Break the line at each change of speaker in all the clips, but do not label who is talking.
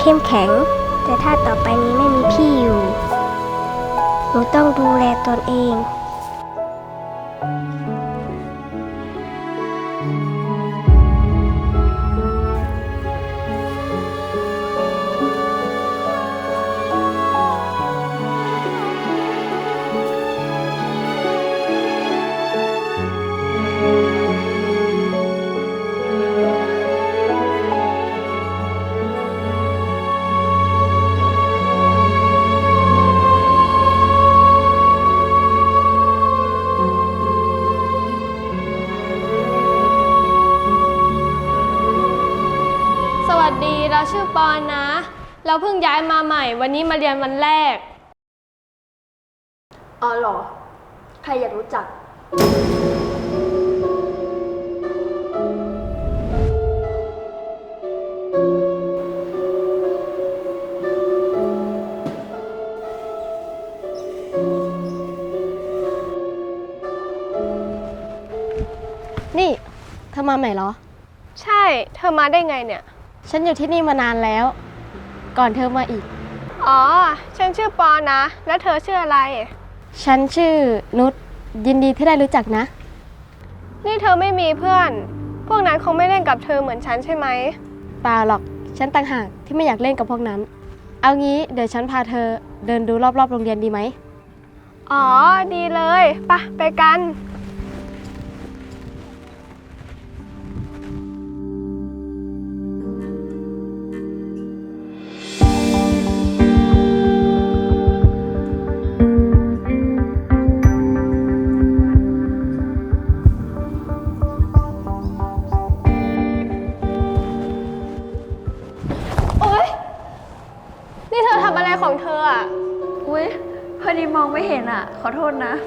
เข้มแข็งแต่ถ้าต่อไปนี้ไม่มีพี่อยู่หนูต้องดูแลตนเอง
สวัสดีเราชื่อปอนนะ เราเพิ่งย้ายมาใหม่วันนี้มาเรียนวันแรก
อ๋อเหรอ ใครอยากรู้จัก
นี่เธอมาใหม่เหรอ
ใช่เธอมาได้ไงเนี่ย
ฉันอยู่ที่นี่มานานแล้ว ก่อนเธอมาอีก
อ๋อฉันชื่อปอนนะ แล้วเธอชื่ออะไร
ฉันชื่อนุชยินดีที่ได้รู้จักนะ
นี่เธอไม่มีเพื่อน พวกนั้นคงไม่เล่นกับเธอเหมือนฉันใช่ไหม
เปล่าหรอก ฉันต่างหากที่ไม่อยากเล่นกับพวกนั้น เอางี้เดี๋ยวฉันพาเธอเดินดูรอบๆโรงเรียนดีไหม
อ๋อดีเลยไปกัน โอ๊ย นี่เธอทำอะไรของเธออ่ะ
อุ๊ยพอดีมองไม่เห็นอ่ะ ขอโทษนะ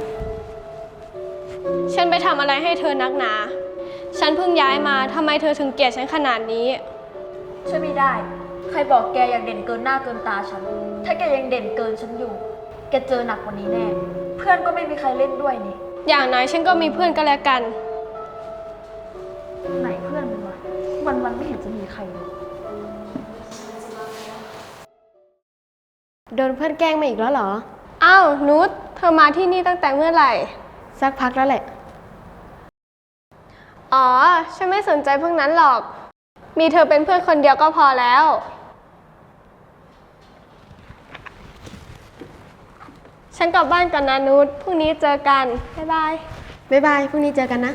ฉันไปทำอะไรให้เธอนักหนา ฉันเพิ่งย้ายมา ทำไมเธอถึงเกลียดฉันขนาดนี้
ช่วยไม่ได้ ใครบอกแกอยากเด่นเกินหน้าเกินตาฉัน ถ้าแกยังเด่นเกินฉันอยู่ แกเจอหนักกว่านี้แน่ เพื่อนก็ไม่มีใครเล่นด้วยนี่
อย่างน้อยฉันก็มีเพื่อนก็แล้วกัน
ไหนเพื่อนมันวะวันไม่เห็นจะมีใครเลย
โดนเพื่อนแกล้งมาอีกแล้วเหรอ
อ้าวนุชเธอมาที่นี่ตั้งแต่เมื่อไหร่
สักพักแล้วแหละ
อ๋อ ฉันไม่สนใจพวกนั้นหรอก มีเธอเป็นเพื่อนคนเดียวก็พอแล้ว ฉันกลับบ้านก่อนนะนุชพรุ่งนี้เจอกัน บ๊ายบาย
บ๊ายบาย พรุ่งนี้เจอกันนะ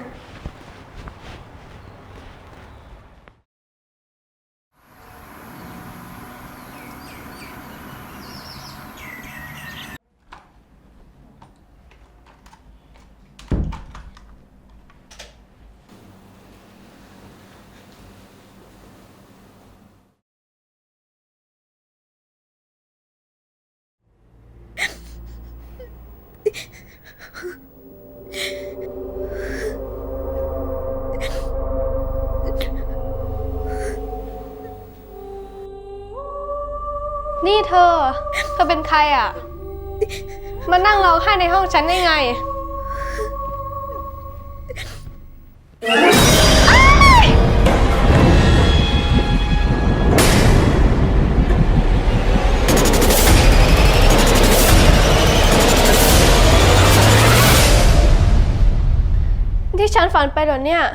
นี่เธอเป็นใครอ่ะ มานั่งร้องไห้ในห้องฉันได้ไง ที่ฉันฝันไปเหรอเนี่ย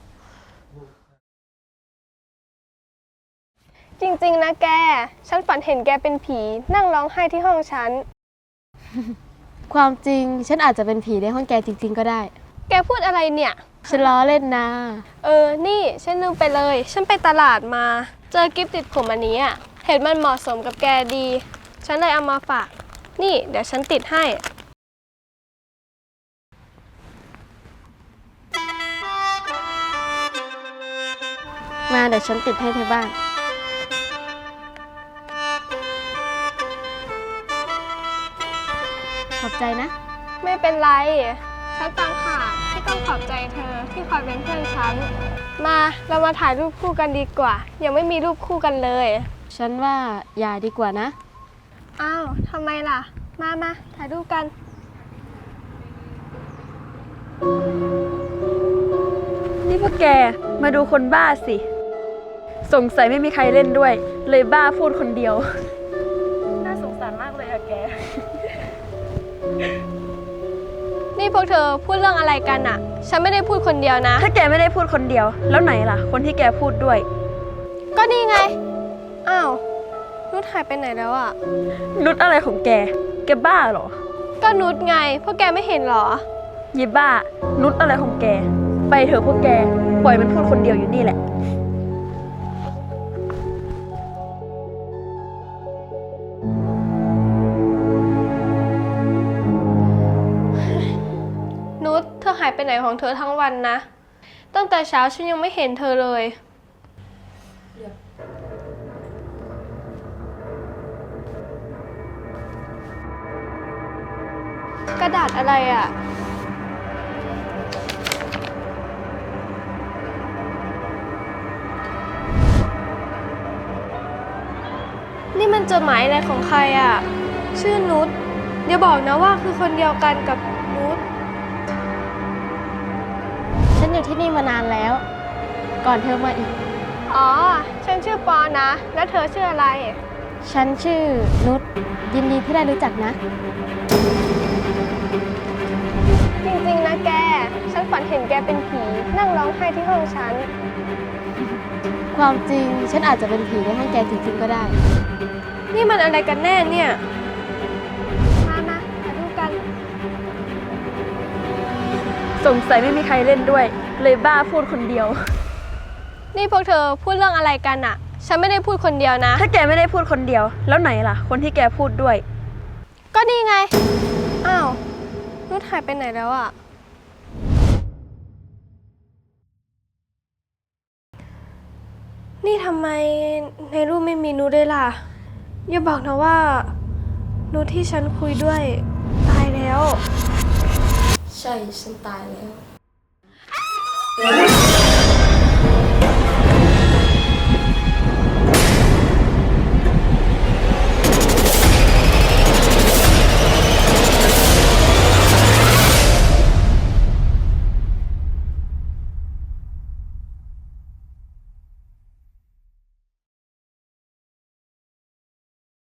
จริงๆนะแก ฉันฝันเห็นแกเป็นผีนั่งร้องไห้ที่ห้องฉัน
ความจริงฉันอาจจะเป็นผีในห้องแกจริงๆก็ได้
แกพูดอะไรเนี่ย
ฉันล้อเล่นนะ
นี่ฉันลืมไปเลย ฉันไปตลาดมา เจอกิฟต์ติดผมอันนี้อ่ะ เห็นมันเหมาะสมกับแกดี ฉันเลยเอามาฝาก นี่เดี๋ยวฉันติดให้
มาเดี๋ยวฉันติดให้เธอบ้าง ขอบใจนะ
ไม่เป็นไร ฉันต่างหากที่ต้องขอบใจเธอที่คอยเป็นเพื่อนฉัน มาเรามาถ่ายรูปคู่กันดีกว่า ยังไม่มีรูปคู่กันเลย
ฉันว่าอย่าดีกว่านะ
อ้าวทำไมล่ะ มาถ่ายรูปกัน
นี่พวกแกมาดูคนบ้าสิสงสัยไม่มีใครเล่นด้วย เลยบ้าพูดคนเดียว น่าสงสารมากเลยอะแก
นี่พวกเธอพูดเรื่องอะไรกันอะฉันไม่ได้พูดคนเดียวนะ
ถ้าแกไม่ได้พูดคนเดียว แล้วไหนล่ะ คนที่แกพูดด้วย
ก็นี่ไง อ้าวนุชหายไปไหนแล้วอะ
นุชอะไรของแก แกบ้าเหรอ
ก็นุชไง พวกแกไม่เห็นเหรอ
ยีบ้า นุชอะไรของแก ไปเถอะพวกแก ปล่อยมันพูดคนเดียวอยู่นี่แหละ
นุชเธอหายไปไหนของเธอทั้งวันนะ ตั้งแต่เช้าฉันยังไม่เห็นเธอเลย กระดาษอะไรอ่ะ นี่มันจดหมายอะไรของใครอ่ะ ชื่อนุชอย่าบอกนะว่าคือคนเดียวกันกับนุช
ฉันอยู่ที่นี่มานานแล้ว ก่อนเธอมาอีก
อ๋อ ฉันชื่อปอนะ แล้วเธอชื่ออะไร
ฉันชื่อนุชยินดีที่ได้รู้จักนะ
จริงๆนะแก ฉันฝันเห็นแกเป็นผี นั่งร้องไห้ที่ห้องฉัน
ความจริงฉันอาจจะเป็นผีในห้องแกจริงๆก็ได้
นี่มันอะไรกันแน่เนี่ย มามาดูกัน
สงสัยไม่มีใครเล่นด้วย เลยบ้าพูดคนเดียว
นี่พวกเธอพูดเรื่องอะไรกันอะฉันไม่ได้พูดคนเดียวนะ
ถ้าแกไม่ได้พูดคนเดียว แล้วไหนล่ะ คนที่แกพูดด้วย
ก็นี่ไง อ้าว นุชหายไปไหนแล้วอะนี่ทำไมในรูปไม่มีนุชเลยล่ะ อย่าบอกนะว่า นุชที่ฉันคุยด้วย ตายแล้ว
ใช่ ฉันตายแล้ว